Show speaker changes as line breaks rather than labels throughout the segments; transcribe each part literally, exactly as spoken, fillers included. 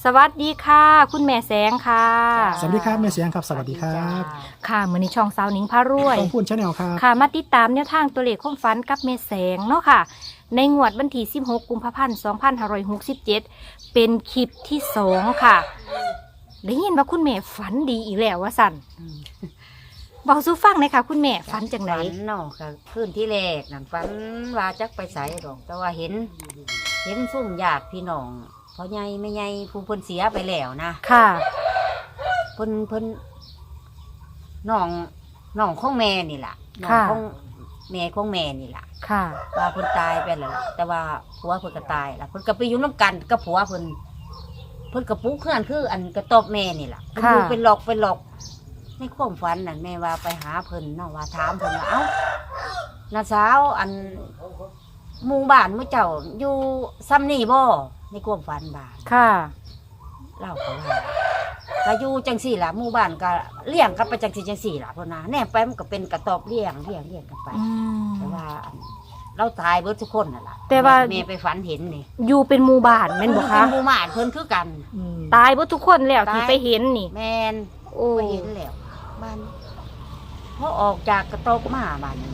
วัสดีค่ะคุณแม่แสงค่ะ
สวัสดีครับแม่เสียงครับสวัสดีครับ
ค่ะมื้อนี้ช่องสาวหนิงพารวย
ต้องพูดชาแนลครับ
ค่ะมาติดตามแนวทางตัวเลขความฝันกับแม่แสงเนาะค่ะในงวดวันที่สิบหกกุมภาพันธ์สองพันห้าร้อยหกสิบเจ็ดเป็นคลิปที่สองค่ะได้ยินว่าคุณแม่ฝันดีอีกแล้วว่าสั่นบอกสู้ฟังเลยค่ะคุณแม่ฝันจังไหน
ฝันเนาะค่ะคืนที่แรกนั่นฝันว่าจักไปใส่ดอกแต่ว่าเห็น เห็นซุ่มญาติพี่น้องพ่อใหญ่แม่ใหญ่ผู้เพิ่นเสียไปแล้วนะ
ค่ะ
เพิ่นเพิ่นน้องน้องของแม่นี่ล่ะน้อง
ค่ะ
ของแม่ของแม่นี่ล่ะ
ค่ะ
ว่าเพิ่นตายไปแล้วล่ะแต่ว่าผัวเพิ่นก็ตายล่ะเพิ่นก็ไปอยู่น้ำกันกับผัวเพิ่นเพิ่นก็ปลูกเฮือนคืออันกระตอบแม่นี่ล่ะเพิ่นอยู่เป็นหลอกเป็นหลอกในความฝันนั่นแม่ว่าไปหาเพิ่นเนาะว่าถามเพิ่นว่าเอ้าน้าสาวอันหมู่บ้านมื้อเจ้าอยู่ซ้ำนี่บ่ในความฝันบ้าน
ค่ะ
เล่าเขาว่าก็อยู่จังสี่ล่ะหมู่บ้านก็เลี้ยงกันไปจังสี่จังสี่ล่ะพ่นนะแน่ไปมันก็เป็นกระตอบเลี้ยงเลี้ยงเลี้ยงกันไป
อืม
แต่ว่าอันเราตายเบิดทุกคนน่ะล่ะ
แต่ว่า
แม่ไปฝันเห็นนี่
อยู่เป็นหมู่บ้านแม่นบ่คะ
หมู่บ้านเพิ่นคือกัน
อืม
ตายหมดทุกคนแล้ว
ตาย
ที่ไปเห็นนี่
แม่น
โอ้
ไปเห็นแล้วบ้านพอออกจากกระตอบมาบ้านนี้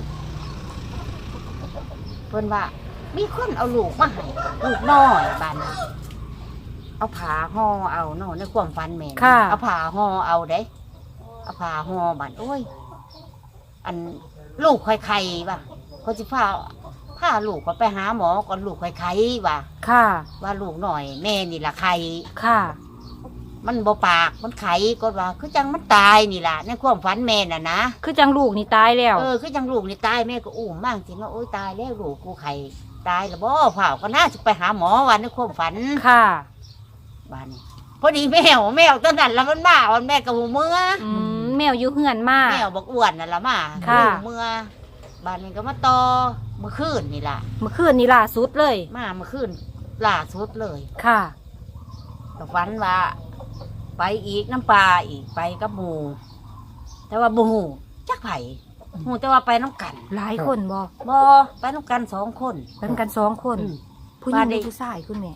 เพิ่นว่า มีคนเอาลูกมาให้ลูกน้อยบ้านนี้เอาผ้าห่อเอาเนาะในความฝันแม่น
ค่ะ
เอาผ้าห่อเอาเด้เอาผ้าห่อบ้านโอ้ย อันลูกไข่ไข่ป่ะเขาจะพาพาลูกก็ไปหาหมอก่อนลูกไข่ไข่ป่ะ
ค่ะ
ว่าลูกหน่อยแม่นี่ละไข่
ค่ะ
มันบ่ปากมันไข่ก็ว่าคือจังมันตายนี่ล่ะในความฝันแม่น่ะนะ
คือจังลูกนี่ตายแล้ว
เออคือจังลูกนี่ตายแม่ก็อุ้มมากจริงว่าโอ้ยตายแล้วลูกกูไข่ตายแล้วบ่เผาก็น่าจะไปหาหมอวันในความฝัน
ค่ะ
บ้านนี้พอดีแมวแมวตอนนั้นแล้วมันมาวันแม่กับหูเมื่อ
อืมแมวอยู่เหือนมา
แมวบอกอ้วนน่ะละมา
ค่ะ
หูเมื่อบ้านนี้ก็มาต่อเมื่อคืนนี่ล่ะ
เมื่อคืนนี้ล่าสุดเลย
มาเมื่อคืนล่าสุดเลย
ค่ะ
ก็ฝันว่า ไปอีกน้ำปลาอีกไปกับหมูแต่ว่าบูหูจักไผ่หูแต่ว่าไปน้ำกัน
หลายคนบ่
บอไปน้ำกันสองคน
เป็นกันสองคน
อืม
ผู้หญิงห
มาดิ
รือผู้ชายคุณแม่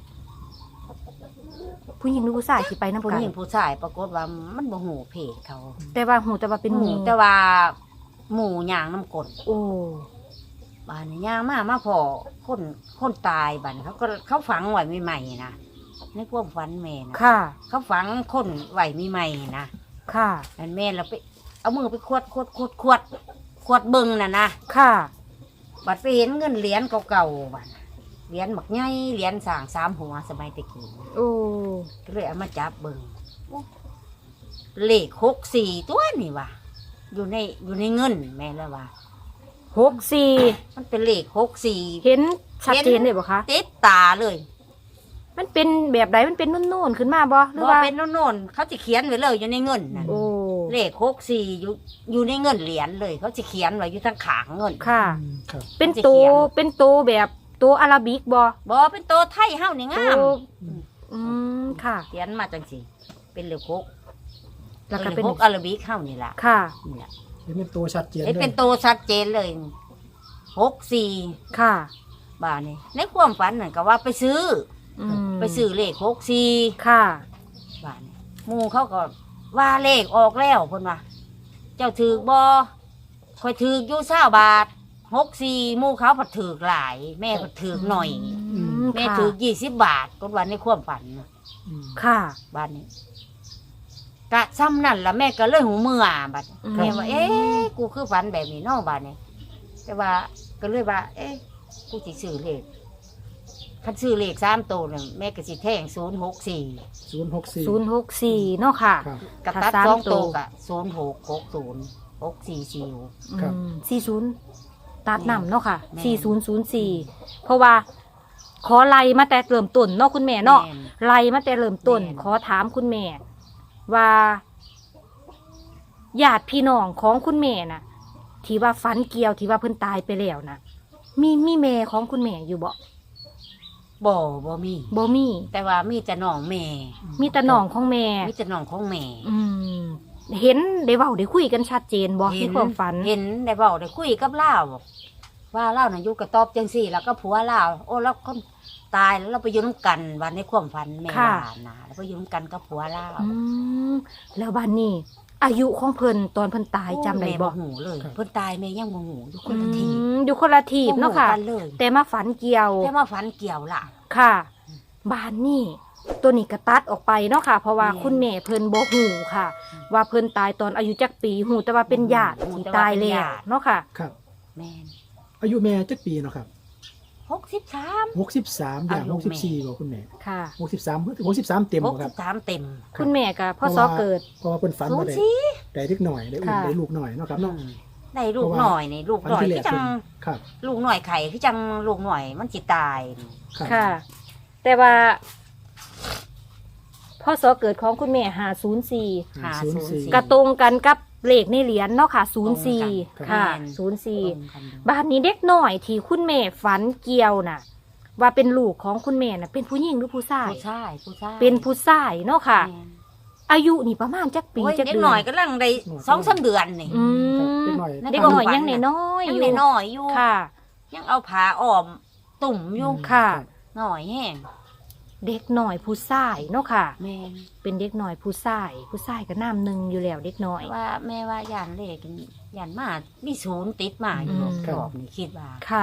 ผู้หญิงหรือผู้ชายที่ไปน้ำ
ผู้
กัน
หญิงผู้ชายปรากฏว่ามันบูหูเพศเขา
แต่ว่าหูแต่ว่าเป็นหมู
แต่ว่าหมูย่างน้ำกลน
โอ้
บ้านนี้ย่างมามาพอคนคนตายบ้านเขาก็เขาฝังไว้ใหม่ๆนะในพวกฝันแม่นะ
ค่ะ
เขาฝังคนไว้ใหม่ๆนะ
ค่ะ
นั่นแม่เราไปเอามือไปขวดขวดขวดขวดขวดเบิงน่ะนะ
ค่ะ
บัดไปเห็นเงินเหรียญเก่าๆบัดเหรียญหมักใหญ่เหรียญสร้างสามหัวสมัยตะกี้
โอ้
ก็เลยเอามาจับเบิงเลขหกสี่ตัวนี่ว่ะอยู่ในอยู่ในเงินแม่แล้วว่า
หกสี่
มันเป็นเลขหกสี่
เห็นชัดเจนเลยบ่คะ
ติดตาเลย
มันเป็นแบบใดมันเป็นนุ่นๆขึ้นมาบ่หรือ
บ่
ว่า
เป็นโน่นๆเขาจะเขียนไว้เลยอยู่ในเงินน่ะ
โอ้
เลขหกสี่อยู่อยู่ในเงินเหรียญเลย เขาจะเขียนไว้อยู่ทั้งขางเงิน
ค่ะ
อืมครับ
เป็นตัวเป็นตัวแบบตัวอาราบิกบ่
บ่เป็นตัวไทยเฮานี่งาม
ตัวอืมค่ะ
เขียนมาจังสิเป็นเลขหก
แล้วก็
เล
เป็น
ขหกอาราบิกเฮานี่ล่ะ
ค่ะ
นี่ล่ะ
เห็นเป็นตัวชัดเจน
เห็น
เล
เป็
ย
นตัวชัดเจนเลยหกสี่
ค่ะ
บาทนี่ในความฝันนั่นก็ว่าไปซื้อ
อืม
ไปซื้อเลขหกสี่
ค่ะ
บาทนี่หมู่เขาก็ว่าเลขออกแล้วเพิ่นว่าเจ้าถือบ่คอยถืออยู่เศร้าบาทหกสี่หมู่เขาผัดถือหลาย แม่ผัดถือหน่อย
อืม
แม่
ค่ะ
ถือยี่สิบบาทก็วันในความฝันน่ะ
อืม
ค่ะ
บาทนี้กะซ้ำนั่นละแม่ก็เลยหูเมื่อบัด
อืม
แม่ว่า เอ๊ะกูคือฝันแบบนี้เนอกบาทนี้แต่ว่าก็เลยว่า เอ๊ะกูสิซื้อเลขคันซื้อเลขสามตัวเนี่ยแม่ก็สิแท่งศูนย์หกสี่
ศูนย์หกสี่
ศูนย์หกสี่เนาะค่ะ
ครับ
กับ
ถ้า
ตัด
สาม
สอง
ตั
ตัว วกะศูนย์หกหกศูนย์หกสี่สี่
ครับ
สี่ศูนย์ตัดนำเนาะค่ะ
แม่น
สี่ศูนย์ศูนย์สี่เพราะว่า ขอไล่มาแต่เริ่มต้นเนาะคุณแม่เนาะ
แม่น
ไล่มาแต่เริ่มต้น
แม่น
ขอถามคุณแม่ ว่าญาติพี่น้องของคุณแม่น่ะ ที่ว่าฟันเกี่ยวที่ว่าเพิ่นตายไปแล้วนะมีมีแม่ของคุณแม่อยู่บ่
บ่บ่มี
บ่มี
แต่ว่ามีแต่น้องแม่
มีแต่น้องของแม่
มีแต่น้องของแม่
อืม เห็นได้เว้าได้คุยกันชัดเจนบ่ในความฝัน
เห็นได้บอกได้คุยกับเล่าบอกว่าเล่าน่ะอยู่กับตอบจังสี่ แล้วก็ผัวเล่าโอ้แล้วคนตายแล้วเราไปอยู่น้ำกันวันในความฝันแม่
ค่ะ
ว่านะแล้วไปอยู่น้ำกันกับผัวเรา
อืมแล้วบ้านนี้ อายุของเพิ่นตอนเพิ่นตายจำได้
แม่
บ่
หูเลยเพิ่นตายแม่ยังบ่หูอยู่ค
อื
นละที
มอยู่คนละทีบเนาะค่ะ
บ่หูกันเลย
แต่มาฝันเกี่ยว
แต่มาฝันเกี่ยวล่ะ
ค่ะ บ้านนี่ตัวนี้ก็ตัดออกไปเนาะค่ะ เพราะว่า
แม่
คุณแม่เพิ่นบ่ฮู้ค่ะ ว่าเพิ่นตายตอนอายุจักปีฮู้แต่ว่าเป็นญาติ
ฮู้
ที่
แต่ว่า
ตาย
เป็น
แล้ว
ญาติ
เนาะค่ะ
ครับ
แม่น
อายุแม่จักปีเนาะครับ
หกสิบสาม
หกสิบสามอย่าง
อายุ
หกสิบสี่
แม่
บ่คุณแม่
ค่ะ
หกสิบสามหกสิบสามเต็ม
หก
บ่ค
สิ
รั
บบ สามเต็ม
คุณแม่ก็พ่อ
เพ
ซ
ราะ
อ
ว่า
เกิด
เพราะว่าเพิ่นฝัน
ศู
ว่าน
ย์
ได้
สี่
ได้เล็กหน่อยได้อุ้ม
ค่ะ
ได้ลูกหน่อยเนาะครับเนาะ
ได้ลูก
เพราะว่า
หน่อยนี่ลูก
ฝัน
หน่อย
ที่แร
คื
ก
อจั
เพิ่
ง
นครับ
ลูกหน่อยไข่คือจังลูกหน่อยมันจิตายนี่
ครับ
ค่ะ แต่ว่าพ่อซอเกิดของคุณแม่หาศูนย์สี่
หา
ศูนย์
ศูนย์
สี่
สี่
กระตรงกันกับเลขในเหรียญเนาะค่ะศูนย์สี่
ตรงกัน
ค่ะ
แม่น
ศูนย์สี่
ตรงกันอยู่
บ้านนี้เด็กน้อยที่คุณแม่ฝันเกี่ยวน่ะ ว่าเป็นลูกของคุณแม่น่ะ เป็นผู้หญิงหรือผู้ชาย
ผู้ชายผู้ชาย
เป็นผู้ชายเนาะค่ะ
แม่น
อายุนี่ประมาณจักปี
โอ้ย
จัก
เด็ก
เดื
หน่
อ
อย
น
ก็ลังได้สองสามเดือนนี่
อื
ครับ
ม
เด็กหน่อย
เด็กน้อยยังน้อยๆ
ยั
อง ยู่
น้อยๆอยู่
ค่ะ
ยังเอาผ้าอ้อมตุ่มอยู่
ค่ะ
หน่อยแห้ง
เด็กน้อยผู้ชายเนาะค่ะ
แม่น
เป็นเด็กน้อยผู้ชาย ผู้ชายก็น้ำหนึ่งอยู่แล้วเด็กน้อย
ว่าแม่ว่าย่านเลขย่านมามีศูนย์ติดมาอยู่
อืม
รอบนี่คิดว่า
ค่ะ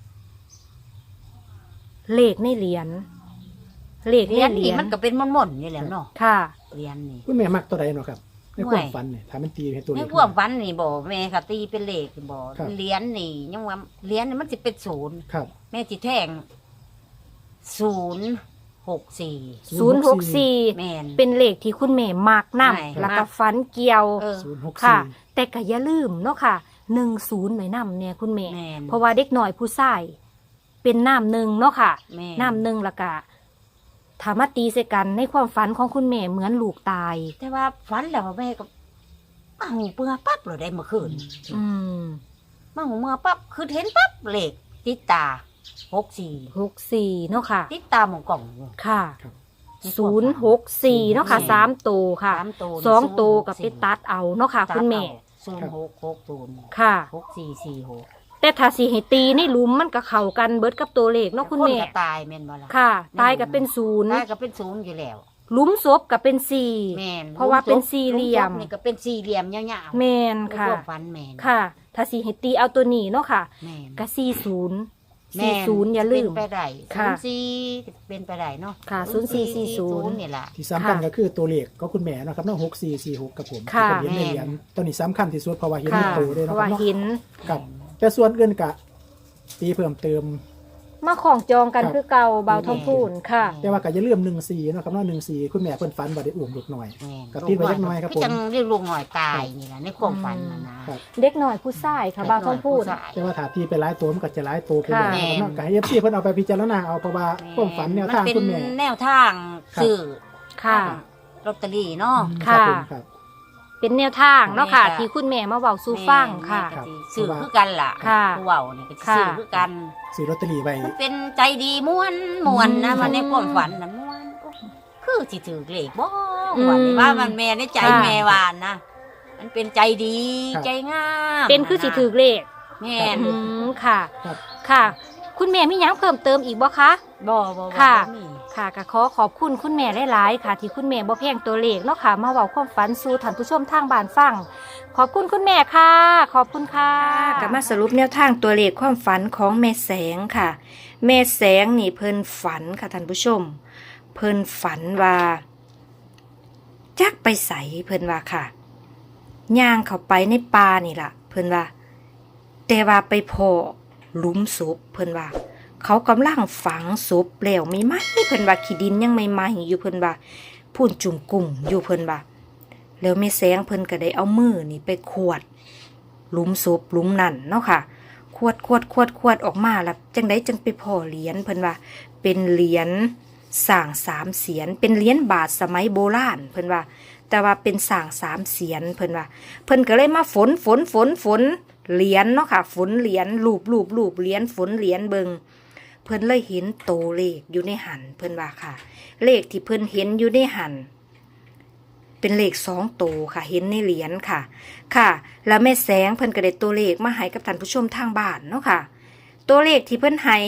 เลขในเหรียญเลข
เหรียญ
ในเหรี
นี่
ยญ
มันก็เป็นม่อนๆอยู่แล้วเนาะ
ค่ะ
เหรียญนี่
คุณแม่มักตัวใดเนาะครับในความฝันเนี่ยถามมันตีให้ตัวเล
ใน
ข
พวกฟันนี่บอกแม่ค่ะตีเป็นเลขบอก
ครับ
เหรียญนี่ยังว่าเหรียญนี่มันจะเป็นศูนย์
ครับ
แม่จิแทงศูนย์หกสี่
ศูนย์หกสี่
แม่น
เป็นเลขที่คุณแม่มัก
ใช่
นำแล้วก็ฟันเกี่ยว
เออ
ศูนย์หก
ค่ะ
สี่
แต่ก็อย่าลืมเนาะค่ะหนึ่งศูนย์หน่อยนำเนี่ยคุณแม่
แม่น
เพราะว่าเด็กหน่อยผู้ชายเป็นน้ำหนึ่งเนาะค่ะ
แม่
น้ำหนึ่งและกะถามาตีใส่กันในความฝันของคุณแม่เหมือนลูกตาย
แต่ว่าฝันแล้วแม่ก็มาหูเปื่อปั๊บเลยได้เมื่อคืน
อืม
มาหูเมื่อปั๊บคือเห็นปั๊บเลขติดตาหกสี่
หกสี่เนาะค่ะ
ติดตาหมองกล่องอยู่
ค่ะ
ครับ
ศูนย์หกสี่เนาะค่ะ
แม่
สามตัวค่ะ
สามตัว
สองตัวกับไปตัดเอาเนาะค่ะ คุณแม่
ศูนย์หกหกศูนย์
ค่ะ
หกสี่สี่หก
แต่ถ้าสีให้ตีในหลุมมันก็เข้ากันเบิดกับตัวเลขเนาะคุณแม่
นก็ตายแม่นบ่ล่ะ
ค่ะ ตายกับเป็นศูนย์
ตายก็เป็นศูนย์อยู่แล้ว
หลุมศพกับเป็นสี่
แม่น
เพราะว่าเป็นสี่เหลี่ยม
ลูกศพนี่ก็เป็นสี่เหลี่ยมยาวๆ
แมนค่ะ
พวกฟันแม่น
ค่ะ ถ้าสีให้ตีเอาตัวนี้เนาะค่ะ
แม่น
ก็สี่ศูนย์
แม่
สี่ศูนย์อย่าลืม
เป็นไปได้
ค่ะ
ศูนย์สี่เป็นไปได้เนาะ
ค่ะศูนย์สี่สี่ศูนย์
นี่แหละ
ที่สำคัญ
ค่ะ
ก็คือตัวเลขก็คุณแม่เนาะครับเนาะหกสี่สี่หกกับผม
ค่ะ
ที่เป็นเหรียญในเหรียญตัวนี้สำคัญที่สุดเพราะว่าเห็น
ค่ะ
ในตัวด้วย
เพ
เนาะ
ราะ
ครั
ว่า
บเนาะ
หิน
ครับ แต่ส่วนอื่นกะตีเพิ่มเติม
มาของจองกัน
ครับ
คือเก่าเบาทองพูนค่ะ
แต่ว่าก็อย่าลืมหนึ่งสี่เนาะครับเนาะหนึ่งสี่คุณแม่เพิ่นฝันว่าได้อุ้มเด็กหน่อย
แม่น
กระติดไว้เล็กน้อยครับผม
จังเรียกลูกหน่อยตายนี่แหละในความฝันนะนะครับ
เด็กหน่อยผู้ชายค่ะเบาทองพูน
เด็กน้ยผู้ชาย
แต่ว่าถ้าตีไปหลายตัวมันก็จะหลายตัวไปเลย
ค่ะ
นะครับเนาะก็ให้เอฟซีเพิ่นเอาไปพิจารณาเอาเพราะว่าความฝันแนวทาง
มัน
คุณ
เป็
แม่
นแนวทาง
ครับ
สื่อ
ค่ะ
ลอตเตอรี่เนาะ
ครับ
ค่ะ
ผมครับ
เป็นแนวทางเนาะค่ะ
แม่ค่ะ
ที่คุณแม่มาเว้าสู่ฟังค่ะ
แม่ก็สิสื่อคือกันล่ะ
ค่ะ
ผู้เว้านี่ก็สิ
ค่ะ
สื่อคือกัน
ซื้อลอตเตอรี่ไว้
มันเป็นใจดีม่วนม่วนนะ
อืม
มันในความฝันนะม่วนโอ้คือสิถือเลขบ่
อืม
ว่านี่ว่ามันแม่ในใจ
ค่ะ
แม่วานนะมันเป็นใจดี
ครับ
ใจงาม
เป็นคือสิถือเลข
แม่น
อืมค่ะ
ครับ
ค่ะ คุณแม่มีหยังเพิ่มเติมอีกบ่คะ
บ่บ่บ่
ค่ะ
บ่มี
ค่ะก็ขอขอบคุณคุณแม่หลายๆค่ะ ที่คุณแม่บ่แพงตัวเลขเนาะค่ะ มาเว้าความฝันสู่ท่านผู้ชมทางบ้านฟัง ขอบคุณคุณแม่ค่ะ ขอบคุณค่ะก็มาสรุปแนวทางตัวเลขความฝันของแม่แสงค่ะ แม่แสงนี่เพิ่นฝันค่ะท่านผู้ชม เพิ่นฝันว่าจักไปใสเพิ่นว่าค่ะย่างเข้าไปในป่านี่ล่ะ เพิ่นว่า แต่ว่าไปพอหลุมศพเพิ่นว่า เขากำลังฝังศพแล้วไม่ไหมเพิ่นว่าขี้ดินยังไม่ไหมอยู่เพิ่นว่าพูนจุ่มกุ่มอยู่เพิ่นว่าแล้วแม่แสงเพิ่นก็ได้เอามือนี่ไปขวดหลุมศพหลุมนั่นเนาะค่ะขวดขวดขวดขวดออกมาแล้วจังไดจังไปพ่อเหรียญเพิ่นว่า เป็นเหรียญสร้างสามเสียนเป็นเหรียญบาทสมัยโบราณเพิ่นว่า แต่ว่าเป็นสร้างสามเสียนเพิ่นว่า เพิ่นก็เลยมาฝนฝนฝนฝนเหรียญเนาะค่ะฝนเหรียญรูปรูปรูปเหรียญฝนเหรียญเบิงเพิ่นเลยเห็นโตเลขอยู่ในหันเพิ่นว่าค่ะ เลขที่เพิ่นเห็นอยู่ในหันเป็นเลขสองโตค่ะ เห็นในเหรียญค่ะ ค่ะ แล้วแม่แสงเพิ่นก็ได้ตัวเลขมาให้กับท่านผู้ชมทางบ้านเนาะค่ะ ตัวเลขที่เพิ่นให้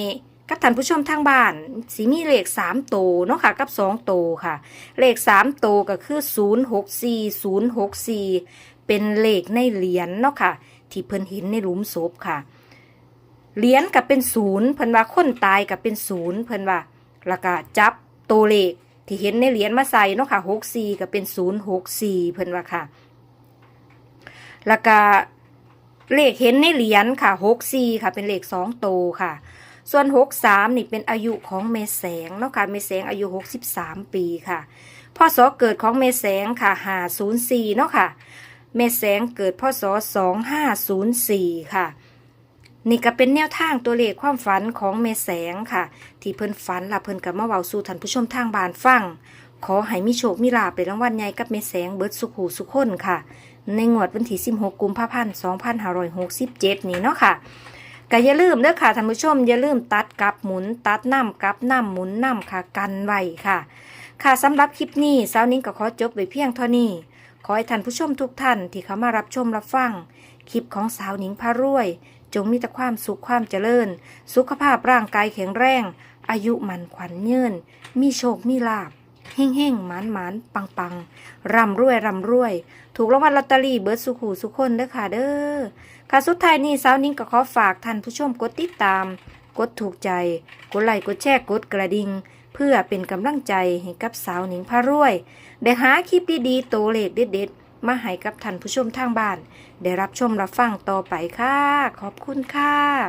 กับท่านผู้ชมทางบ้านสิมีเลขสามโตวเนาะค่ะกับสองโตวค่ะเลขสามโตวก็คือศูนย์หกสี่ศูนย์หกสี่เป็นเลขในเหรียญเนาะค่ะที่เพิ่นเห็นในหลุมศพค่ะเหรียญกับเป็นศูนย์เพิ่นว่าคนตายกับเป็นศูนย์เพิ่นว่าแล้วก็จับตัวเลขที่เห็นในเหรียญมาใส่เนาะค่ะหกสี่ก็เป็นศูนย์หกสี่เพิ่นว่าค่ะแล้วก็เลขเห็นในเหรียญค่ะหกสี่ค่ะเป็นเลขสองโตวค่ะส่วนหกสามนี่เป็นอายุของเมแสงเนาะค่ะเมแสงอายุหกสิบสามปีค่ะพศเกิดของเมแสงค่ะห้าศูนย์สี่เนาะค่ะเมแสงเกิดพศสองห้าศูนย์สี่ค่ะนี่ก็เป็นแนวทางตัวเลขความฝันของเมแสงค่ะที่เพิ่นฝันล่ะเพิ่นก็มาเว้าสู่ท่านผู้ชมทางบ้านฟังขอให้มีโชคมีลาภเป็นรางวัลใหญ่กับเมแสงเบิดสุขหูสุขคนค่ะในงวดวันที่สิบหกกุมภาพันธ์สองพันห้าร้อยหกสิบเจ็ดนี้เนาะค่ะก็อย่าลืมเด้อค่ะท่านผู้ชมอย่าลืมตัดกับหมุนตัดน้ำกับน้ำหมุนน้ำค่ะกันไว้ค่ะค่ะสำหรับคลิปนี้สาวนิ้งก็ขอจบไว้เพียงเท่านี้ขอให้ท่านผู้ชมทุกท่านที่เข้ามารับชมรับฟังคลิปของสาวนิ้งพารวยจงมีแต่ความสุขความเจริญสุขภาพร่างกายแข็งแรงอายุมันขวัญยืนมีโชคมีลาภเฮ่งเฮ่งหมานหมานปังปังร่ำรวยร่ำรวยถูกรางวัลลอตเตอรี่เบิร์ดสุขหูสุขคนเด้อค่ะเด้อค่ะสุดท้ายนี้สาวนิ้งก็ขอฝากท่านผู้ชมกดติดตามกดถูกใจกดไลค์กดแชร์กดกระดิ่งเพื่อเป็นกำลังใจให้กับสาวนิ้งพารวยได้หาคลิปดีๆโตเลขเด็ดๆมาให้กับท่านผู้ชมทางบ้านได้รับชมรับฟังต่อไปค่ะขอบคุณค่ะ